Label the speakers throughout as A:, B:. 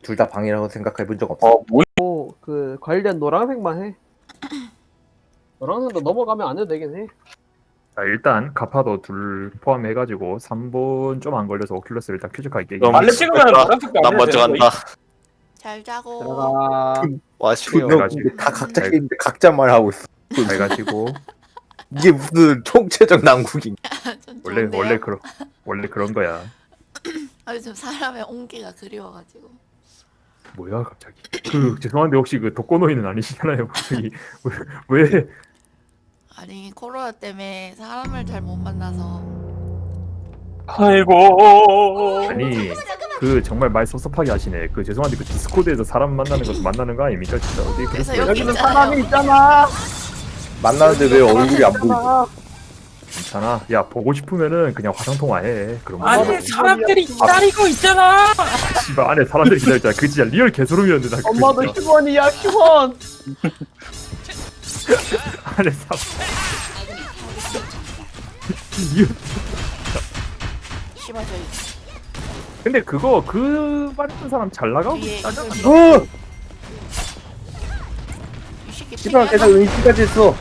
A: 둘 다 방이라고 생각해 본 적 없어.
B: 뭐야?
C: 그 관련 노란색만 해. 노란색도 넘어가면 안 해도 되긴 해.
D: 자, 일단 가파도 둘 포함해가지고 3분 좀 안 걸려서 오큘러스 일단 쾌적하게 깨기.
B: 빨리 찍으면 노란색도
E: 난 먼저 간다.
F: 잘 자고.
C: 들어가.
E: 와 쉬네요.
A: 너 근데 다 각자 게임인데 각자 말하고 있어.
D: 잘 가시고
A: 이게 무슨 총체적 난국인?
F: 전
D: 원래
F: 좋은데요?
D: 원래 그런 거야.
F: 아 요즘 사람의 온기가 그리워가지고.
D: 뭐야 갑자기? 그 죄송한데 혹시 그 독거노인은 아니시잖아요. 갑자기 왜?
F: 아니 코로나 때문에 사람을 잘 못 만나서.
B: 아이고.
D: 아니 그 정말 말 섭섭하게 하시네. 그 죄송한데 그 디스코드에서 사람 만나는 것도 만나는 거 아닙니까 진짜? 어디
F: 그래서
D: 그랬어요?
F: 여기
C: 여기는
F: 있잖아요.
C: 사람이 있잖아.
A: 만나는데 왜 얼굴이 안 보이지?
D: 괜찮아. 야 보고 싶으면은 그냥 화상 통화해. 그런 거.
B: 안에 사람들이 기다리고 있잖아.
D: 씨발 안에 사람들이 기다렸잖아. 그 진짜 리얼 개소름이었는데 나. 그거
C: 엄마도
D: 진짜.
C: 휴원이야 휴원.
D: 안에 사람. 리얼.
F: 씨발 저희
D: 근데 그거 그 말했던 사람 잘 나가고
F: 뒤에
D: 있다잖아.
A: 어!
F: 이 새끼
A: 씨발
F: 튀냐?
A: 계속 의식까지 했어.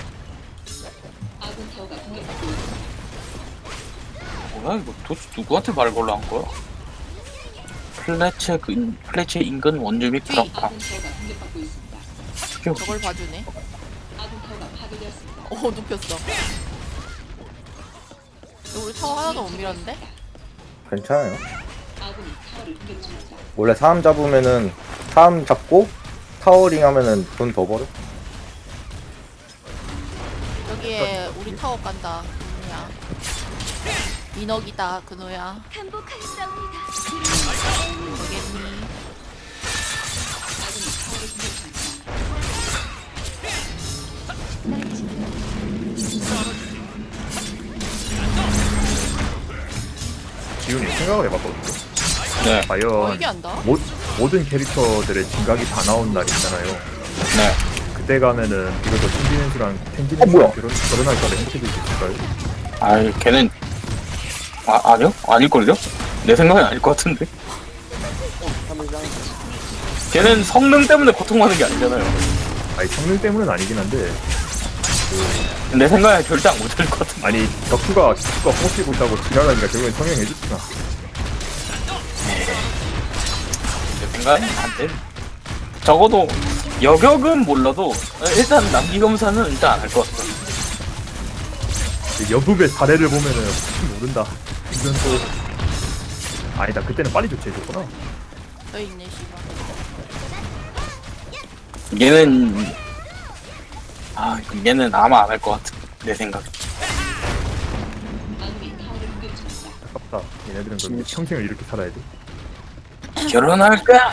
B: 뭐야 이거 도대체 누구한테 말 걸러 한 거야? 플래체 인근 원주민 트럭파.
F: 저걸 봐주네. 오 눕혔어. 우리 타워 하나도 못 밀었는데?
A: 괜찮아요. 원래 사람 잡으면은 사람 잡고 타워링 하면은 돈 더 벌어.
F: 여기에 우리 타워 간다. 그누야. 인억이다 그누야. 되겠니?
D: 지훈이 생각을 해봤거든요.
B: 네.
D: 과연
F: 이게 안다?
D: 모든 캐릭터들의 진각이 다 나온 날 있잖아요.
B: 네.
D: 그때 가면은 이것도 텐디넨스랑
A: 뭐야?
D: 텐디넨스랑 결혼할 거를 행복해질 수 있을까요?
B: 아이 걔는 아니요? 아닐걸요? 내 생각엔 아닐 것 같은데. 걔는 성능 때문에 고통받는 게 아니잖아요.
D: 아니 성능 때문은 아니긴 한데
B: 내 생각엔 절대 안 고칠 것 같은데.
D: 아니 격투가 허벅지 있다고 지랄하니까 결국엔 성형해줬구나.
B: 내 생각엔 안 돼. 적어도 여격은 몰라도 일단 남기검사는 일단 안 할 것 같아.
D: 여급의 사례를 보면은 혹시 모른다. 이건 또 아니다. 그때는 빨리 조치해줬구나.
F: 너 있네 씨발.
B: 얘는 아마 안 할 것 같아. 내 생각.
D: 아깝다. 얘네들은 그럼 평생을 이렇게 살아야 돼.
B: 결혼할 거야.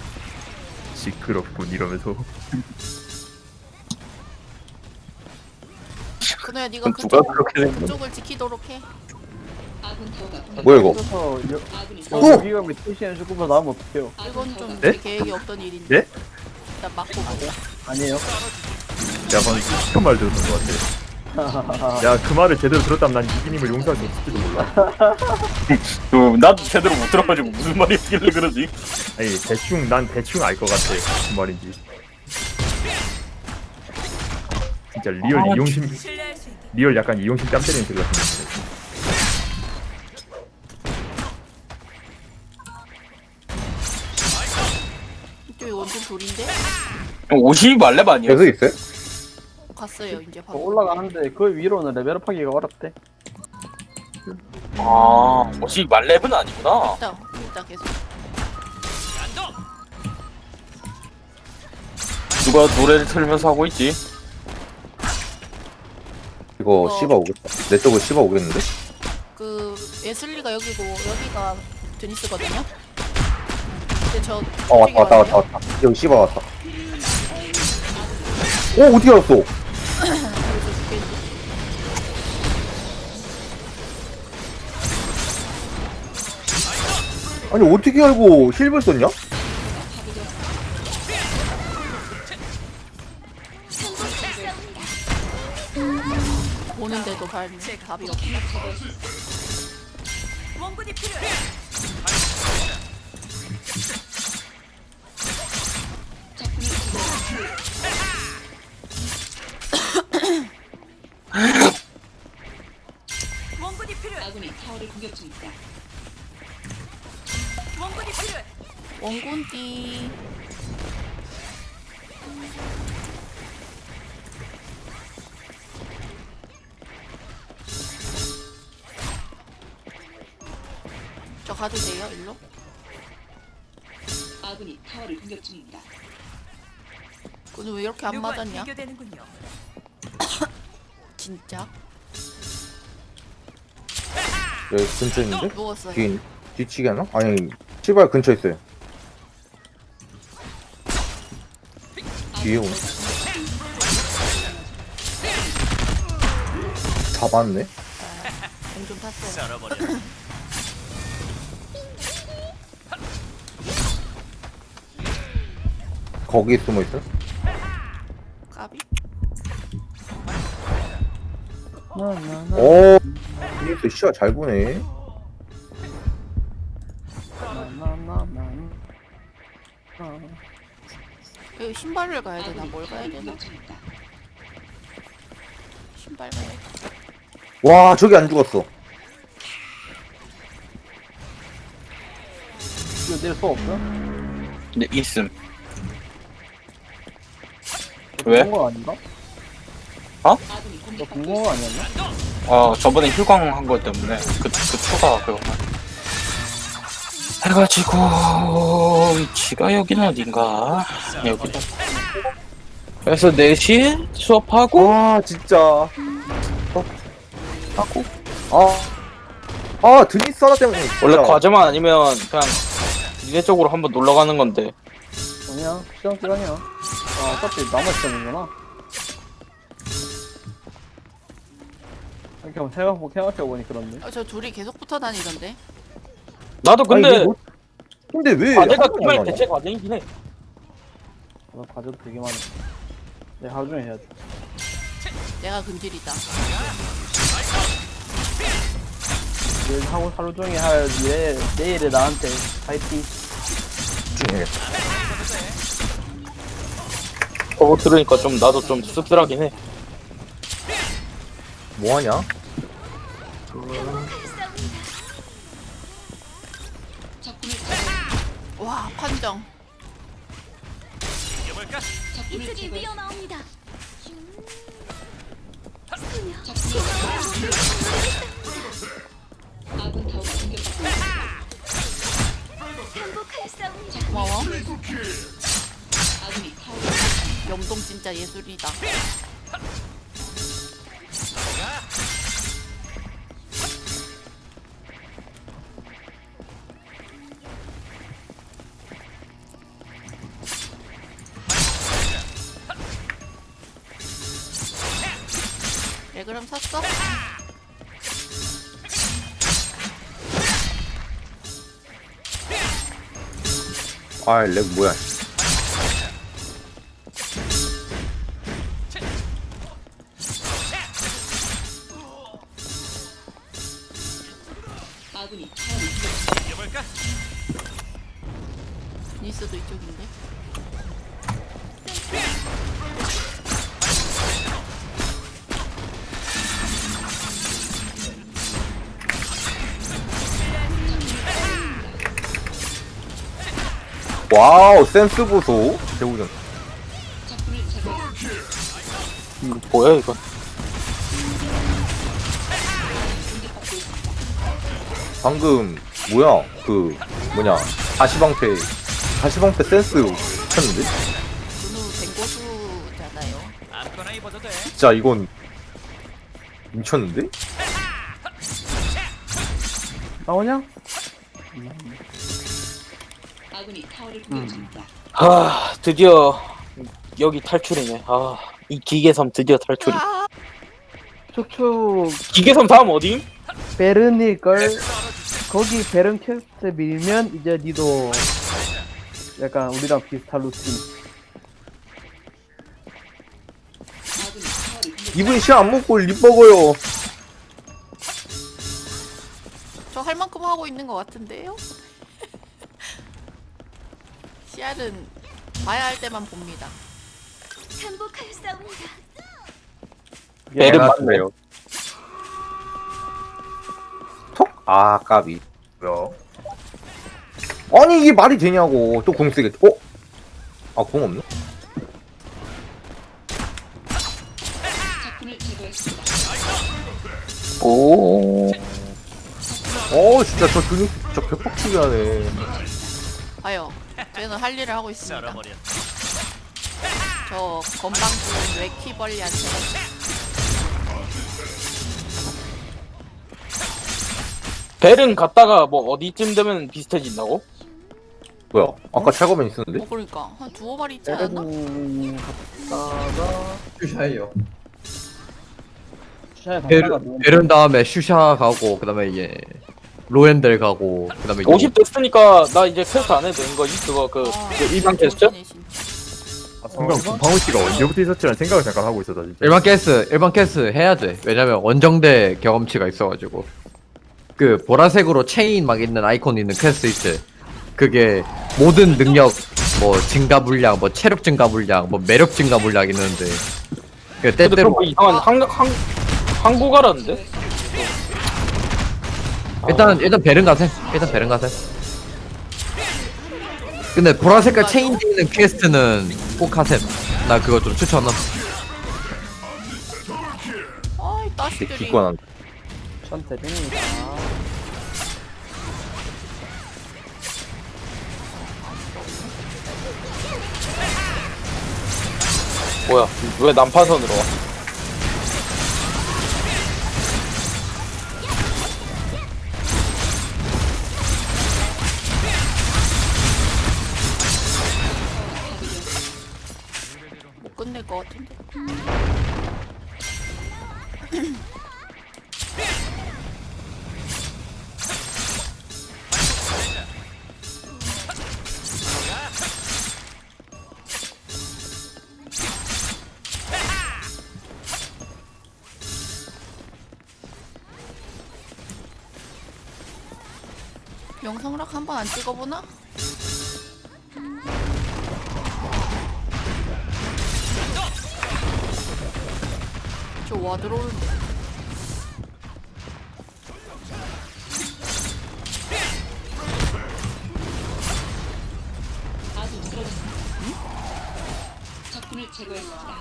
D: 시끄럽군 이러면서.
F: 그누야 네가
B: 누가 그렇게 된 거야?
F: 그쪽을 지키도록 해.
A: 뭐야 이거?
C: 그래서
A: 오!
C: 여기가 TCN 슈퍼 나오면 어떡해요?
F: 이건 좀
D: 네?
F: 우리 계획이 없던 일인데.
D: 네?
F: 일단 막고 보자.
C: 아니에요.
D: 야 방금 시큰 말 들었던 것 같아. 야 그 말을 제대로 들었다면 난 이기님을 용서할 수 없을지도 몰라.
B: 나도 제대로 못 들어가지고 무슨 말이길래 그러지?
D: 아니 난 대충 알 것 같아. 무슨 말인지. 진짜 리얼 약간 이용심 뺨 때리는 소리 같은데.
F: 이쪽이 원준 돌인데?
B: 50 말렙 아니야?
A: 계속 있어요?
F: 갔어요 이제
C: 더
F: 바로.
C: 올라가는데 그 위로는 레벨업하기가 어렵대.
B: 아, 50 말렙은 아니구나.
F: 일단 계속.
B: 누가 노래를 틀면서 하고 있지?
A: 이거 씹어 오겠다. 내 쪽으로 씹어 오겠는데?
F: 그 웨슬리가 여기고 여기가 드니스거든요. 근데 저
A: 왔다. 여기 씹어 왔다. 오 어떻게 알았어? 아니 어떻게 알고 힐을 썼냐?
F: 오는데도 답이 없다. 원군띠. 저 가도 돼요, 일로?
E: 아군이 타워를 공격 중입니다.
F: 오늘 왜 이렇게 안
E: 누구와
F: 맞았냐?
E: 비교되는군요.
F: 진짜?
A: 여기 근처에 있는데?
F: 누웠어요.
A: 뒤치기 하나? 아니 시발 근처에 있어요. 뒤에 오네. 잡았네.
F: 공좀 탔어요.
A: 거기 숨어 있어?
F: 까비?
A: 오, 이거 시야 잘 보네.
F: 여기 신발을 가야 되나? 뭘 가야 되나?
E: 공격 중입니다.
F: 신발 가야 돼.
A: 와, 저기 안 죽었어.
C: 이거 내릴 수 없어?
B: 네, 있음. 왜?
C: 거 아닌가?
E: 아군이
C: 너
E: 공격받고
C: 궁금한 거 아니었나?
B: 저번에 휴강 한 거 때문에 그 추가 그거만 해가지고 위치가 여긴 어딘가 여기다. 그래서 4시에 수업하고
A: 와, 진짜.
B: 하고
A: 드니스 하나 때문에. 진짜.
B: 원래 과제만 아니면 그냥 니네 쪽으로 한번 놀러 가는 건데
C: 아니야, 시간이야. 어차피 남아 시간이구나. 이렇게 생각해보니 그렇네.
F: 저 둘이 계속 붙어 다니던데.
B: 나도
A: 아니,
B: 근데
A: 근데 왜?
B: 과제가
A: 한 번에
B: 그말
A: 안 나냐?
B: 대체 과제이긴 해.
C: 과제도 되게 많아. 내 하루 종일 해야 돼.
F: 내가 근질이다.
C: 내일 하루 종일 할 일에 내일에 나한테 파이팅.
A: 집중해야겠다.
B: 그거 들으니까 좀 나도 좀 씁쓸하긴 해.
A: 뭐하냐?
E: 적군을
F: 와, 판정.
E: 적군을 제거.
G: 위험합니다.
E: 아군 타워가 공격받고
G: 행복할 싸움이다.
F: 고마워.
E: 아군이 타워
F: 염동 진짜 예술이다. 네, 그럼 샀어?
A: 렉 뭐야?
E: 아군이 타워를 공격
F: 니스도 이쪽인데.
A: 와우, 센스 보소. 대우전.
E: 적군을 제거.
B: 뭐야 이거?
E: 공격받고 있습니다.
A: 방금 뭐야? 그 뭐냐? 다시방패 센스 미쳤는데?
F: 준우 댕고수잖아요.
A: 진짜 이건 미쳤는데?
C: 나오냐?
E: 아군이 타워를 공격 중입니다.
B: 드디어 여기 탈출이네. 이 기계섬 드디어 탈출이.
F: 아,
C: 촉촉
B: 기계섬 다음 어디?
C: 베른일걸. 거기 베른 퀘스트 밀면 이제 니도 약간 우리랑 비슷한 루틴.
E: 아군이 타워를 공격
A: 이분 시야 안 먹고 립 먹어요.
F: 저 할 만큼 하고 있는 것 같은데요? 씨알은 봐야 할 때만 봅니다.
G: 행복할 싸움이다.
B: 배를
A: 맞네요. 톡? 까비. 뭐야? 아니 이게 말이 되냐고. 또 궁 쓰겠지. 아 궁 없네?
E: 적군을 제거했습니다.
B: 오.
A: 진짜 저 근육 진짜 개빡치게 하네.
F: 봐요. 저는 할 일을 하고 있습니다. 저 건방진 외키벌리한테
B: 벨은 갔다가 뭐 어디쯤 되면 비슷해진다고?
A: 뭐야? 아까 찰거맨 있었는데?
F: 그러니까 한 두어 마리 있지 않았나?
C: 갔다가
H: 슈샤예요.
C: 슈샤에 갔다가
H: 베른 다음에 슈샤 가고 그다음에 이제 로엔델 가고 그다음에
B: 50 됐으니까 나 이제 퀘스트 안 해도 되는 거지? 그거 그 일반 퀘스트?
F: 멋지네, 진짜.
D: 순간 방울 씨가 언제부터 있었지라는 생각을 잠깐 하고 있었다 진짜.
H: 일반 캐스 해야 돼. 왜냐면 원정대 경험치가 있어가지고 그 보라색으로 체인 막 있는 아이콘 있는 퀘스트 있지. 그게 모든 능력 뭐 증가 물량, 뭐 체력 증가 물량, 뭐 매력 증가 물량 있는데 그
B: 근데
H: 때때로
B: 그거 이상한 한국어라는데?
H: 일단 베른 가셈. 근데 보라색깔 체인 있는 퀘스트는 꼭 하셈. 나 그거 좀 추천함.
F: 아이 따시들이
A: 기권한.
C: 천태입니다.
B: 뭐야? 왜 난파선으로 와?
F: 못 끝낼 것 같은데. 영상락 한번 안 찍어보나? 저 와 들어오는데.
E: 아군 쓰러졌습니다. 적군을 제거했습니다.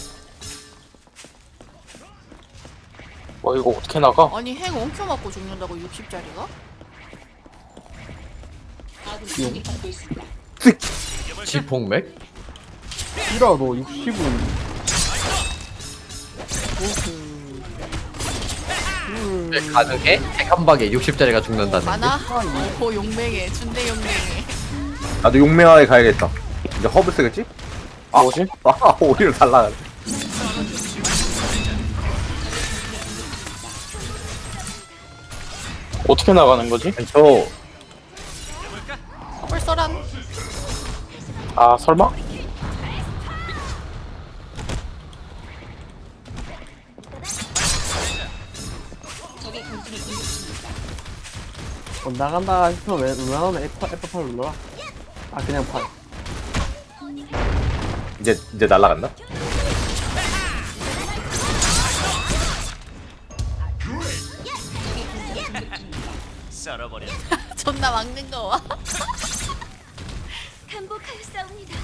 B: 와 이거 어떻게 나가?
F: 아니 핵 엉켜 맞고 죽는다고 60짜리가?
E: 아군이 공격받고 있습니다.
H: 지폭맥?
C: 이라도 60은
H: 네, 가능해? 핵 한 방에 60짜리가 죽는다는 게?
F: 많아? 오 용맹해 준대 용맹해.
A: 나도 용맹하게 가야겠다. 이제 허브 쓰겠지?
B: 뭐지?
A: 오히려 달라가네.
B: 어떻게 나가는 거지?
A: 저
F: 홀서란
B: 아 설마?
E: 적의 공수를 공격 중입니다.
C: 나간다 싶으면 웬만하면 F8 눌러라. 아 그냥 8.
A: 이제 날라간다.
F: 존나 막는 거 와.
G: 항복하였사옵니다.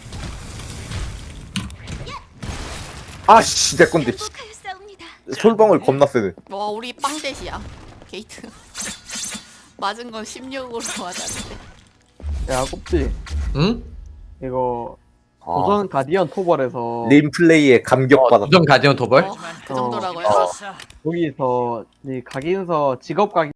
A: 아씨 내 건데.
G: 항복하였사옵니다.
A: 솔방울 겁나 세네.
F: 와 우리 빵대시야 게이트. 맞은 건 16으로 맞았는데.
C: 야 꼽지
H: 응?
C: 이거
A: 아,
C: 도전 가디언 토벌에서
A: 림 플레이에 감격받았다.
H: 우정 가디언 도벌?
F: 그 정도라고요?
C: 거기서 이 각인서 직업 각인